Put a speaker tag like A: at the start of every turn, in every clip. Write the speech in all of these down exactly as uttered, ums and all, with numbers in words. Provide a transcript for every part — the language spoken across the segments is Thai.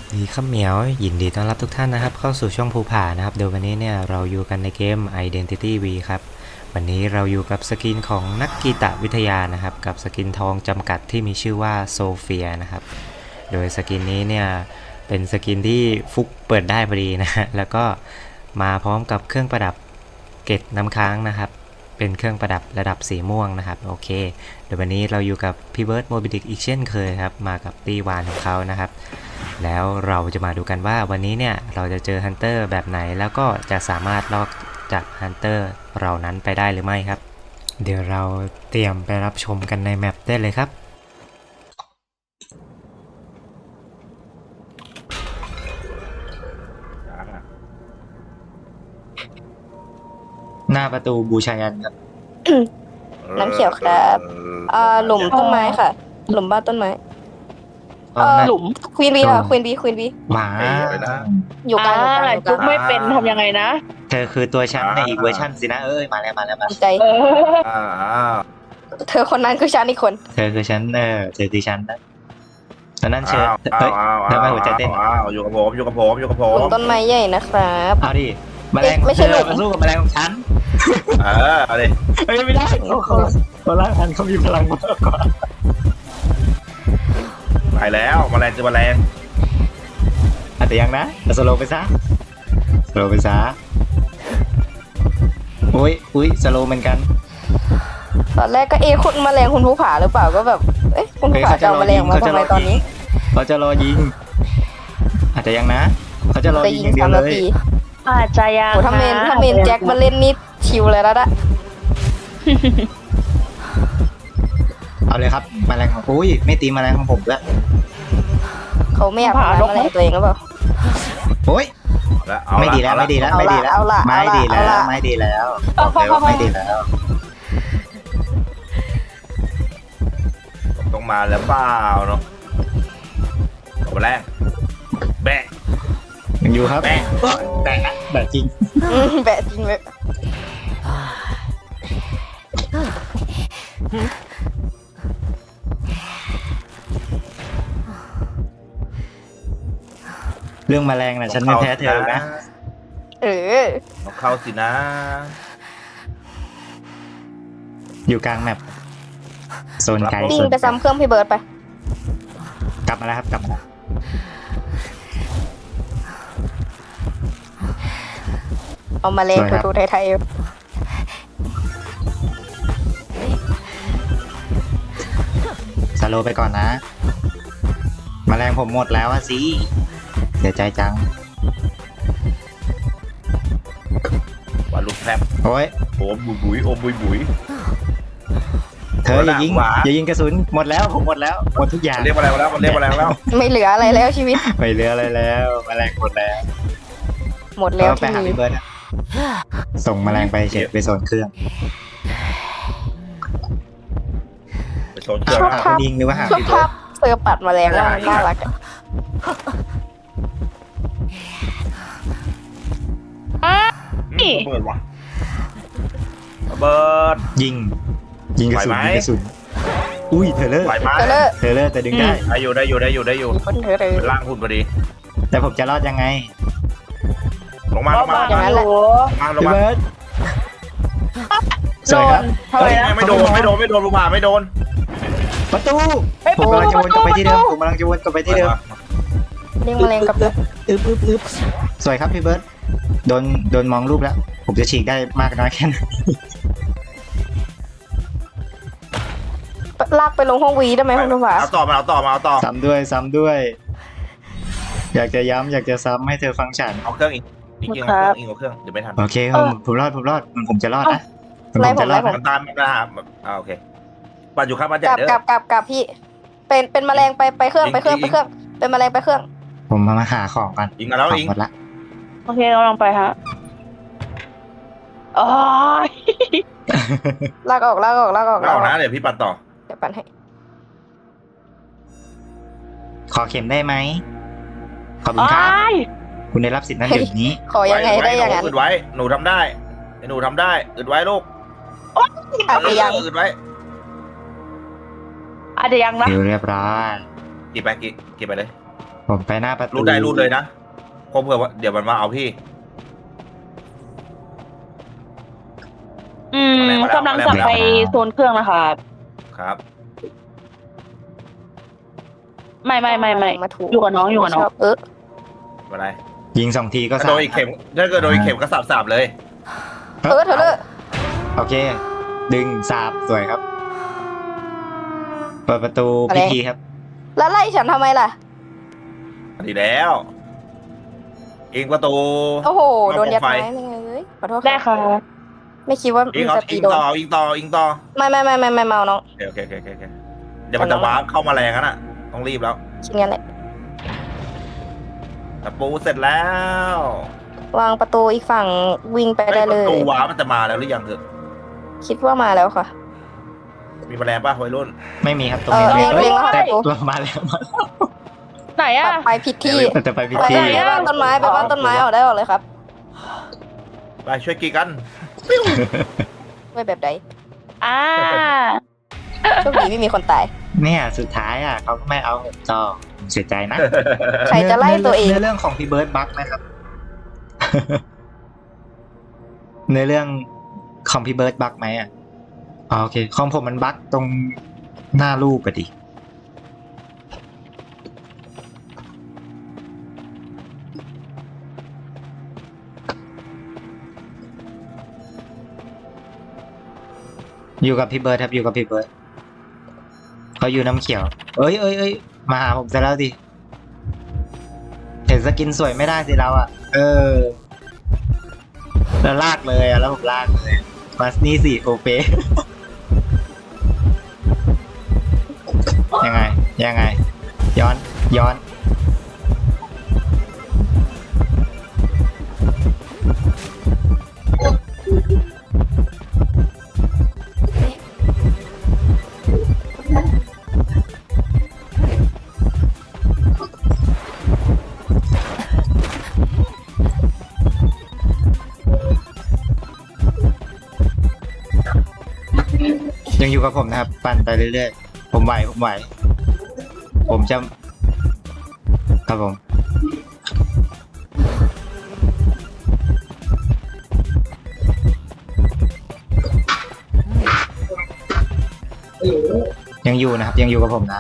A: ดีครับเหมียวยินดีต้อนรับทุกท่านนะครับเข้าสู่ช่องภูผานะครับเดี๋ยววันนี้เนี่ยเราอยู่กันในเกม Identity V ครับวันนี้เราอยู่กับสกินของนักกีตวิทยานะครับกับสกินทองจำกัดที่มีชื่อว่าโซเฟียนะครับโดยสกินนี้เนี่ยเป็นสกินที่ฟุกเปิดได้พอดีนะฮะแล้วก็มาพร้อมกับเครื่องประดับเกล็ดน้ำค้างนะครับเป็นเครื่องประดับระดับสีม่วงนะครับโอเคเดี๋ยววันนี้เราอยู่กับพี่เบิร์ดโมบิดิกอีกเช่นเคยครับมากับตีวานของเขานะครับแล้วเราจะมาดูกันว่าวันนี้เนี่ยเราจะเจอฮันเตอร์แบบไหนแล้วก็จะสามารถลอกจากฮันเตอร์เหล่านั้นไปได้หรือไม่ครับเดี๋ยวเราเตรียมไปรับชมกันในแมปได้เลยครับหน้าประตูบูชายันครับ
B: น้ำเขียวครับอ่าหลุมต้นไม้ค่ะ หลุมบ้านต้นไม้เออหลุมควีนบีค่ะควีนบีควีนบี
A: หมา
B: อยู่กลางอยู่กลางอยู่ก
C: จุ๊
B: ลา
C: บ
B: ง
C: ไม่เป็นทำยังไงนะ
A: เธอคือตัวฉันในอีกเวอร์ชันสินะเอ้ยมาแล้วมาแล้วมา
B: ใจ
C: เออ
D: อ่า
B: เธอคนนั้นคือฉันอีกคน
A: เธอคือฉันเออเธอคือฉันนะตอนนั้นเชิญ
D: อ้า
A: เฮ้
D: วย อ้าว
A: ทำไมหัวใจเต้น
D: อ้าวอยู่กับผมอยู่กับผมอยู่กับผ
B: หลุ
D: ม
B: มต้นไม้ใหญ่นะครับ
A: เอาดิแมลง
B: ไม่ใช่
A: เธอ
B: หลุม
A: มาสู้กับแมลงของฉัน
D: เออเอาดิ
A: เฮ้ยไม่ได้เขาเขาเขาล่างทันเขามีพลังมากกว่า
D: ไปแล้วแมลงเจอแมลง
A: อาจจะยังนะแต่สโลว์ไปซะสโลว์ไปซะอุ้ยอุ้ยสโลว์เหมือนกัน
B: ตอนแรกก็เอะคุณแมลงคุณภูผาหรือเปล่าก็แบบเอ๊ะคุณภูผาจะเอาแมลงมาทำไมตอนนี้
A: เขาจะรอยิงอาจจะยังนะเขาจะรอ
B: จะ
A: ยิง
B: ยิ
A: อง ย่างเดีย
B: สาว ม
A: เล
B: นาย ที
C: อาจจะยัง
B: โอ้ถ้าเมนถ้าเมนแจ็คมาเล่นนี่ชิวเลยแล้วละ
A: เอาเลยครับแมลงของอุ้ยไม่ตีแมลงของผมด้วย
B: เขาไม่อยากทำร้ายแมลงตัวเองหรือเปล่า
A: โอ้ย
D: แล้วเอา
A: ไม่ดีแล้วไม่ดีแล้ว
B: เอาละ
A: ไม่ดีแล้ว
B: เอาละ
A: ไม่ดี
B: เอา
A: แล้ว
B: ละ
A: ไม่ดีแล้วบอกเลยว่าไม่ดีแล้ว
D: ต้องมาแล้วเปล่าเนาะเอาแมลงแบะ
A: ยังอยู่ครับ
D: แบะ
A: แบะนะแบะจริง
B: อืมแบะจริงเลย
A: เรื่องแมลงน่ะฉันไม่แพ้เธอนะ
B: เออ
D: ต้องเข้าสินะ
A: อยู่กลางแมปโซนไกล
B: วิ่
A: โซ
B: ง
A: น
B: ไปซ้ำเครื่องพี่เบิร์ดไป
A: กลับมาแล้วครับกลับมาแล้ว
B: เอาแมลงทูๆไทย
A: สโลว์ไปก่อนนะแมลงผมหมดแล้วอะสิเสียใจจัง
D: ว่าลูกแพรบ
A: โอ้ย
D: โอมบุยบุยโอมบุยบุย
A: เธออย่ายิง
D: หวา
A: อย่ายิงกระสุนหมดแล้วผมหมดแล้วหมดทุกอย่าง
D: มันเรียกแมลงมาแล้วมันเรียกแมลงมาแล้ว
B: ๆไม่เหลืออะไรแล้วชีวิต
A: ไม่เหลืออะไรแล้วแมลงหมดแล้ว
B: หมดแล้ว
A: เราไป
B: ที่
A: หา
B: มี
A: พี่เบิร์ดอะส่งแมลงไปเฉยไปโซนเครื่อง
D: ไปโซนเครื่อง
B: ชอบ
A: หา
B: ภาพ
A: คุณยิงหรือว่าหา
B: ชอบ
A: พี่เบิ
B: ภา
A: ร์
B: พ
A: ด
B: เซอร์ปัดแมลงว่ามันน่ารักอะ
D: อืมระเบิดว่ะระเบิด
A: ยิง ยิงกระสุน
D: ไหวไหม
A: ยิงกระสุนอุ้ยเธอเลอร์
D: ไหวไหม
B: เธอเลอร์
A: เธอเลอร์แต่ดึงได้
D: ได้อยู่ได้อยู่ได้อยู่ได้อยู่
B: คนเธอเลย
D: เป็นร่างหุ่นพอดี
A: แต่ผมจะรอดยังไง
D: ลงมาลงมาลง
B: อย่างนั้นแหละ
D: มาลง
A: พี่
D: มา
A: เบิร์ดส
C: โด
A: วยครับ
C: นทำไมนะ
D: ไม่โดนไม่โดนไม่โดนลูกหมาไม่โดน
A: ประตู
C: เฮ้ย
A: ผมกำลังจะวนกลับไปที่เดิม
C: ประตู
A: ผมกำลังจะวนกลับไปที่เดิม
B: เรียกแมลงกลับเลย
A: อึ๊บอึ๊บอึ๊บสวยครับพี่เบิร์ดโดนโดนมองรูปแล้ว ผมจะฉีกได้มากน้อยแค่ไหน
B: ลากไปลงห้องวีได้ไหมคุณภูผา
D: เอาต่อมาเอาต่อมาเอาต่อ
A: ซ้ำด้วยซ้ำด้วย อยากจะย้ำอยากจะซ้ำให้เธอฟังฉัน
D: เอาเครื่องอีกอีกเครื่องเอาเครื่องอีกเอาเครื่องเดี๋ยวไม่ทัน
A: โอเคผมผมรอดผมรอดมันผมจะรอดนะผมจะรอด
D: มั
A: นะ
D: นตามมันตามอ่าโอเคปันอยู่ข้างบ้านใหญ่
B: กลับ
D: เด้
B: กลั
D: อบ
B: กลับกลับพี่ เป็นเป็นแมลงไปไปเครื่องไปเครื่องไปเครื่อง เป็นแมลงไปเครื่อง
A: ผมมาหาของก่อน
D: ยิงมาแล้ว
A: ของ
D: ยิง
A: หมดละ
C: โอเคกำลังไปฮะอ๋อ
B: ลากออกลากออกลากออก
D: ไม่ออกนะเดี๋ยวพี่ปันต่อ
B: เดี๋ยวปั่นให้
A: ขอเข็มได้ไหมขอบคุณครับ
C: อ้าย
A: คุณได้รับสิทธิ์นั้นเดี๋ยวนี้
B: ขอยังไงได้อย่างนั้น
D: อึดไว้หนูทำได้ไอ้หนูทำได้อึดไว้ลูก
B: อาจจะยัง
D: อึดไว้
C: อาจจะยังนะ
A: เดี๋ยวเรียบร้อย
D: กี่ไปกี่กี่ไปเลย
A: ผมไปหน้าประตู
D: รูดได้รูดเลยนะเพราะเผื่อว่าเดี๋ยวมันมาเอาพี่
C: อืม
D: มาแล้ว
C: กำลังกลับ
D: มาแล้ว
C: ไปโซนเครื่องนะคะ
D: ครับ
C: ไม่ไม่ไม่ไม่
B: มาถูก
C: อยู่กับน้องอยู่กับน้อง
B: ชบเออ
D: อะไร
A: ยิงสองทีก็
D: ถ้า
A: สา
D: โด
A: ม
D: นอีกเข็มถ้าเกิดโดนอีกเข็มก็สับสับเลย
B: เออเธอเลย
A: โอเค ดึงสาบสวยครับ เปิดประตูพิธีครับ
B: แล้วไล่ฉันทำไมล่ะ
D: ดีแล้วอิงประตู
B: โอ้โห
D: เอา
B: โดนยัด
D: ไฟ
B: ไม้ไม่ไงเอ้ยขอโทษ
C: ได้
B: ค่ะ
C: ค่ะ
B: ไม่คิดว่า
D: อิง
B: มัน
D: เอา
B: จะตี
D: อิง
B: โดน
D: ต่ออิงต่ออิงต่อ
B: ไม่ไม่ไม่ไม่ไม่เมาน้อง
D: โอเคโอเคโอเคโอเคเดี๋ยวมันจะว้าร์ปเข้ามาแรงกันอ่ะต้องรีบแล้ว
B: ชิ้นงั้นแหละ
D: ตะปูเสร็จแล้ว
B: วางประตูอีกฝั่งวิ่งไปได้
D: อ้
B: เล
D: ประ
B: ย
D: ตูว้าร์ปมันจะมาแล้วหรือยังเถอะ
B: คิดว่ามาแล้วค่ะ
D: มีแมลงป่ะวัยรุ่น
A: ไม่มีครับตรง
B: เอ
A: นี้
B: อ
A: ไม่
B: เรียงเรียงแล้วค่ะ
A: แต่
B: ประตู
A: ตัวมาแล้วมาแล้ว
C: ไหน
B: ป
C: อะ
B: รับไปผิดที่
A: แต่จะไปพิ
B: ไป
A: ธี
B: ไปบ้านต้นไม้ไปบ้านต้นไม้ออกได้ออกเลยครับ
D: ไปช่วยกีกัน
B: ไม่แบบใด
C: อ่า
B: โชคดีไม่มีคนตาย
A: เนี่ยสุดท้ายอ่ะเขาก็ไม่เอาผมต่อผมเสียใจนะ
B: ใครจะไล่ตัวเอง
A: เนื้อเรื่องของพี่เบิร์ดบักนะครับ เนื้อเรื่องของพี่เบิร์ดบักไหมอ่ะอ๋อโอเคของผมมันบักตรงหน้ารูปอะดิอยู่กับพี่เบิร์ดครับอยู่กับพี่เบิร์ดเขาอยู่น้ำเขียว เอ้ยเอ้ยเอ้ยมาหาผมซะแล้วดิเห็นสกินสวยไม่ได้สิเราอ่ะ เออแล้วลากเลยอ่ะแล้วผมลากเลยมานี่สิโอเป ยังไง ยังไง ย้อน ย้อน ยังอยู่กับผมนะครับ ปั่นไปเรื่อยๆ ผมไหว ผมไหว ผมจะ ครับผม ยังอยู่นะครับ ยังอยู่กับผมนะ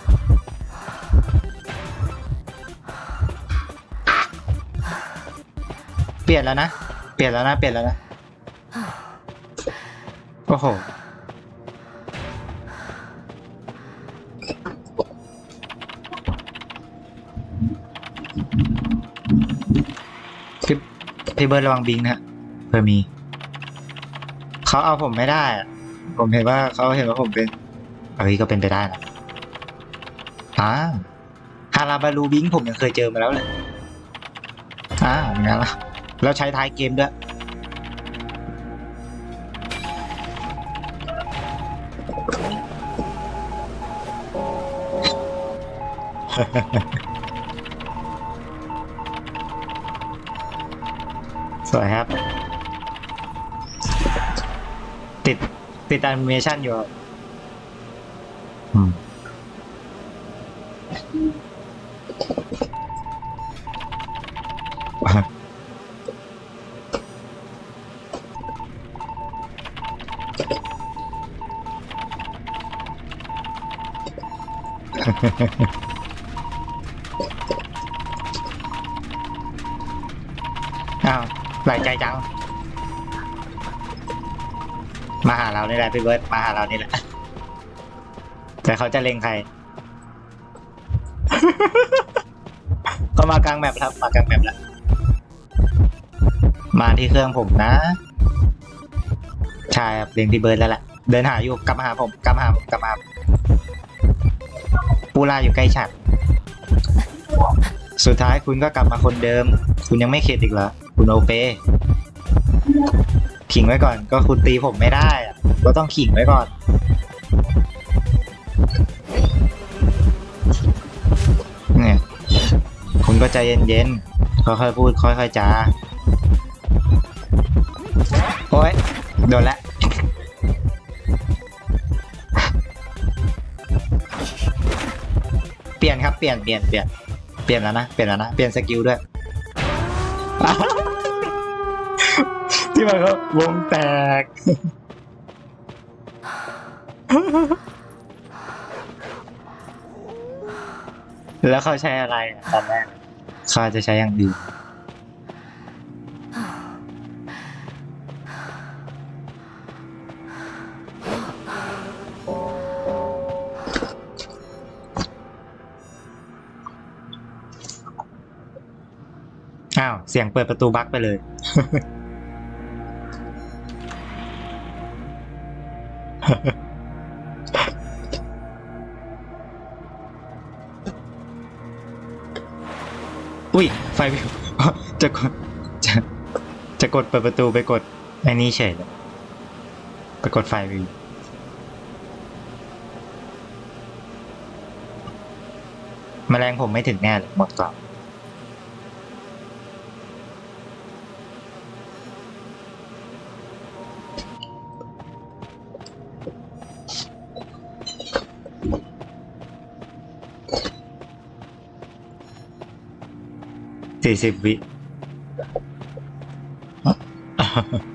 A: เปลี่ยนแล้วนะ เปลี่ยนแล้วนะ เปลี่ยนแล้วนะ โอ้โห พี่พี่เบิร์ดระวังบิงนะฮะเพื่อมี เขาเอาผมไม่ได้อะผมเห็นว่าเขาเห็นว่าผมเป็นเอ้ยก็เป็นไปได้นะอ่าฮาราบารูบิงผมยังเคยเจอมาแล้วเลยอ่าอย่างนั้นละแล้วใช้ท้ายเกมด้วย สวยครับ ติด ติดแอนิเมชันอยู่ครับอืม อ้าวหลายใจจัง มาหาเรานี่แหละพี่เบิร์ดมาหาเรานี่แหละ แต่เขาจะเล็งใคร ก็มากลางแมปครับ มากลางแมปแล้ว มาที่เครื่องผมนะ ใช่ครับเล็งพี่เบิร์ดแล้วแหละ เดินหาอยู่กลับมาหาผมกลับมาหาผมกลับมาหาผมปูล่าอยู่ใกล้ฉันสุดท้ายคุณก็กลับมาคนเดิม คุณยังไม่เข็ดอีกเหรอคุณโอเปขิงไว้ก่อนก็คุณตีผมไม่ได้อะก็ต้องขิงไว้ก่อนเนี่ยคุณก็ใจเย็นๆค่อยๆพูดค่อยๆจาโอ้ยโดนละเปลี่ยนครับเปลี่ยนเปลี่ยนเปลี่ยนเปลี่ยนแล้วนะเปลี่ยนแล้วนะเปลี่ยนสกิลด้วย ที่มันก็วงแตก แล้วเขาใช้อะไรอะตอนแรกเขาอาจจะใช้อย่างอื่นอ้าว เสียงเปิดประตูบั๊กไปเลย อุ้ย ไฟวิว จะกดจะจะกดเปิดประตูไปกดไอ้นี่เฉยเลยไปกดไฟวิว แมลงผมไม่ถึงแน่เลยหมดกล่องสี่สิบวิ